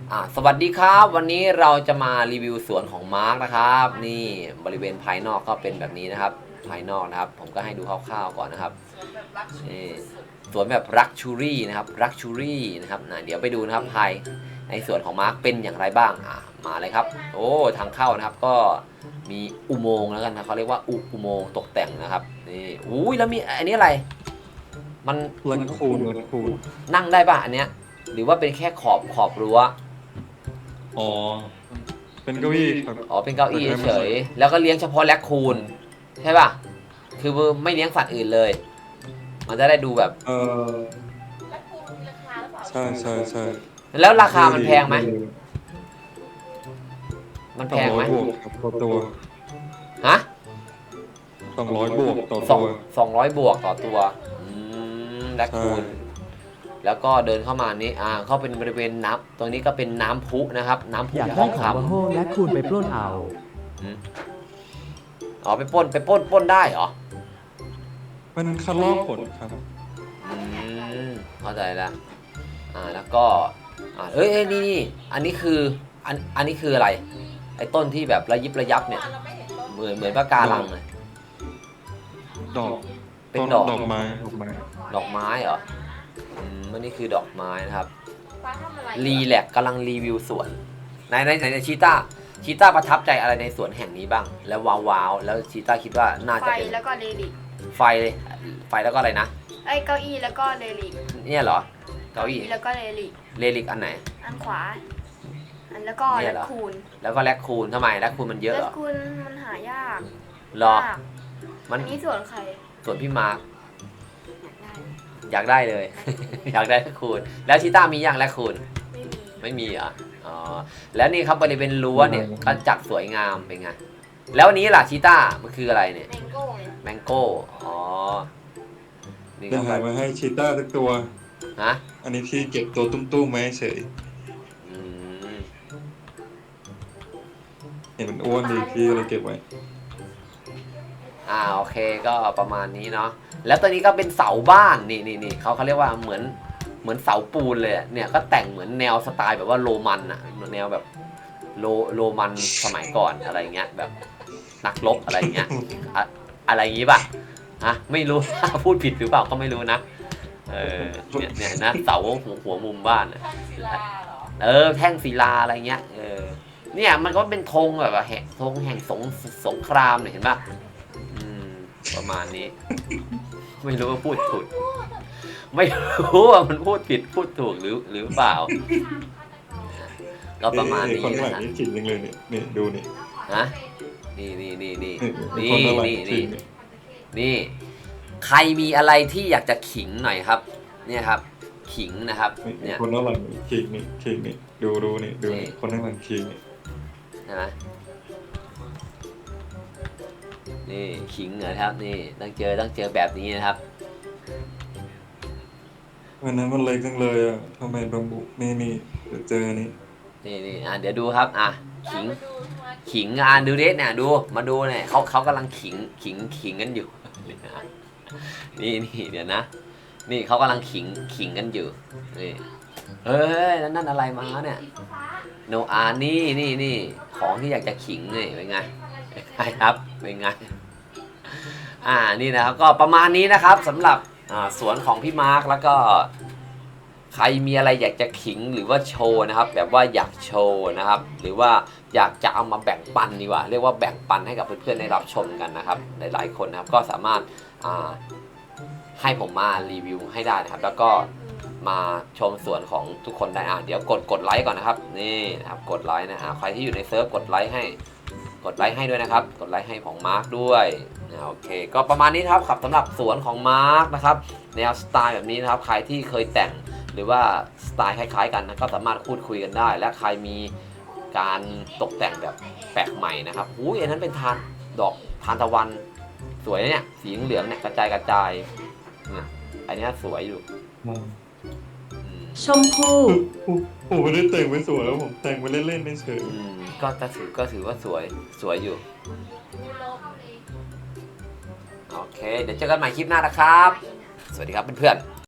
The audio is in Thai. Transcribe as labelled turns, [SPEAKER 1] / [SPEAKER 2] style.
[SPEAKER 1] สวัสดีครับวันนี้เราจะมารีวิวสวนของมาร์กนะครับนี่บริเวณภายนอกก็เป็นแบบนี้นะครับภายนอกนะครับผมก็ให้ดูคร่าวๆก่อนนะครับนี่สวนแบบลักชูรี่นะครับลักชูรี่นะครับเดี๋ยวไปดูนะครับภายในสวนของมาร์กเป็นอย่างไรบ้างมาเลยครับโอ้ทางเข้านะครับก็มีอุโมงค์แล้วกันนะเขาเรียกว่าอุโมงค์ตกแต่งนะครับนี่อุ้ยแล้วมีอันนี้อะไรมัน
[SPEAKER 2] ลันคูน
[SPEAKER 1] นั่งได้ป่ะอันเนี้ยหรือว่าเป็นแค่ขอบรั้ว
[SPEAKER 2] อ๋อเป็นเก้าอี้ครับ
[SPEAKER 1] เป็นเก้าอี้เฉยแล้วก็เลี้ยงเฉพาะแรคคูนใช่ป่ะคือไม่เลี้ยงสัตว์อื่นเลยมันจะได้ดูแบบ
[SPEAKER 3] แรคคูนมีราคาหรือเปล่า
[SPEAKER 2] ใช่
[SPEAKER 1] แล้วราคามันแพงไหมมันแพงไหม
[SPEAKER 2] 200 บวกครับต่อตัว
[SPEAKER 1] ฮะ
[SPEAKER 2] 200 บวกต่อตัว
[SPEAKER 1] 200 บวกต่อตัวแรคคูนแล้วก็เดินเข้ามานี่เข้าเป็นบริเวณน้ำตรงนี้ก็เป็นน้ำพุนะครับน้ำพุ
[SPEAKER 4] อยาก
[SPEAKER 1] ท
[SPEAKER 4] ได้
[SPEAKER 1] อง
[SPEAKER 4] ของ
[SPEAKER 1] คำ
[SPEAKER 4] บาโฮและคูณไปปล้นเอา
[SPEAKER 1] ไปปล้นได้เหรอ
[SPEAKER 2] มันคัดลอกผลครับ
[SPEAKER 1] เข้าใจแล้วแล้วก็นี่อันนี้คืออันนี้คืออะไรไอ้ต้นที่แบบระยิบระยับเนี่ยเหมือนปะการังเลย
[SPEAKER 2] ดอก
[SPEAKER 1] เป็นดอก
[SPEAKER 2] ไม้
[SPEAKER 1] เหรออันนี้คือดอกไม้นะครับ
[SPEAKER 3] ป้าทำอะไร
[SPEAKER 1] รีแลกกำลังรีวิวสวนในชีต้าประทับใจอะไรในสวนแห่งนี้บ้างแล้วว้าวแล้วชีต้าคิดว่าน่าจะเป็น
[SPEAKER 3] ไฟแล้วก็เรลิก
[SPEAKER 1] ไฟแล้วก็อะไรนะ
[SPEAKER 3] เก้าอี้แล้วก็เรลิก
[SPEAKER 1] เนี่ยเหรอเก้าอี้
[SPEAKER 3] แล้วก็เร
[SPEAKER 1] ลิกอันไหน
[SPEAKER 3] อันขวาอันแล้วก็แรคคูน
[SPEAKER 1] แล้วก็แรคคูนทำไมแรคคูนมันเยอะเหรอ
[SPEAKER 3] แรคคูนมันหายาก
[SPEAKER 1] หรอ
[SPEAKER 3] มันนี้ส่วนใคร
[SPEAKER 1] ส่วนพี่มาร์คอยากได้เลย อยากได้แรคคูนแล้วชีต้ามีอย่างแรคคูนไม่มีเหรอแล้วนี่ครับบริเวณรั้วเนี่ยก็จัดสวยงามเป็นไงแล้วนี้ล่ะชีต้ามันคืออะไรเนี่ยแมงโก้
[SPEAKER 2] เดี๋ยวหามาให้ชีต้าสักตัวอันนี้ที่เก็บตัวตุ้มๆไว้เฉยเห็นมันอ้วนดีพี่เลยเก็บไว้
[SPEAKER 1] โอเคก็ประมาณนี้เนาะแล้วตัวนี้ก็เป็นเสาบ้านนี่เขาเรียกว่าเหมือนเสาปูนเลยเนี่ยก็แต่งเหมือนแนวสไตล์แบบว่าโรมันอะแนวแบบโรมันสมัยก่อนอะไรเงี้ยแบบนักรบอะไรเงี้ยอะไรอย่างงี้ป่ะไม่รู้ พูดผิดหรือเปล่าก็ไม่รู้นะเนี่ยนะเสาหัวมุมบ้านแท่งศิลาอะไรเงี้ยเนี่ยมันก็เป็นธงแบบว่าธงแห่งสงครามเนี่ยเห็นป่ะประมาณนี้ไม่รู้ว่าพูดถูกไม่รู้ว่ามันพูดผิดพูดถูกหรือเปล่าก็ประมาณนี้
[SPEAKER 2] นะฮะนี่ขิงเลยนี่ดูนี่
[SPEAKER 1] นี่ใครมีอะไรที่อยากจะขิงหน่อยครับเนี่ยครับขิงนะครับเนี่ย
[SPEAKER 2] คนนั่งหลังขิงนี่ดูนี่คนนั่งหลังขิงนี่
[SPEAKER 1] ใช่ไหมนี่ขิงเหรอครับนี่ต้องเจอแบบนี้นะครับ
[SPEAKER 2] วันนั้นมันเล็กจังเลยทำไมบางบุนี่เจอนี่
[SPEAKER 1] เดี๋ยวดูครับขิงดูเด็ดเนี่ยดูมาดูเนี่ยเขากำลังขิงกันอยู่นี่เดี๋ยวนะนี่เขากำลังขิงกันอยู่นี่นั่นอะไรมาเนี่ยโนนี่ของที่อยากจะขิงนี่เป็นไงครับเป็นไงนี่นะครับก็ประมาณนี้นะครับสำหรับสวนของพี่มาร์คแล้วก็ใครมีอะไรอยากจะขิงหรือว่าโชว์นะครับแบบว่าอยากโชว์นะครับหรือว่าอยากจะเอามาแบ่งปันดีกว่าเรียกว่าแบ่งปันให้กับเพื่อนๆได้รับชมกันนะครับหลายๆคนนะครับก็สามารถให้ผมมารีวิวให้ได้นะครับแล้วก็มาชมสวนของทุกคนได้เดี๋ยวกดไลค์ก่อนนะครับนี่นะครับกดไลค์นะใครที่อยู่ในเซิร์ฟกดไลค์ให้ด้วยนะครับกดไลค์ให้ของมาร์คด้วยโอเคก็ประมาณนี้ครับสำหรับสวนของมาร์คนะครับแนวสไตล์แบบนี้นะครับใครที่เคยแต่งหรือว่าสไตล์คล้ายๆกันนะก็สามารถพูดคุยกันได้และใครมีการตกแต่งแบบแปลกใหม่นะครับอันนั้นเป็นดอกทานตะวันสวยเนี่ยสีเหลืองเนี่ยกระจายเนี่ยอันนี้สวยอยู่
[SPEAKER 4] ชมพู่
[SPEAKER 2] ผมไม่ได้แต่งไว้สวยแล้วผมแต่งไว้เล่นๆเฉย
[SPEAKER 1] ก็ถือว่าสวยอยู่โอเคเดี๋ยวเจอกันใหม่คลิปหน้านะครับสวัสดีครับเพื่อนๆ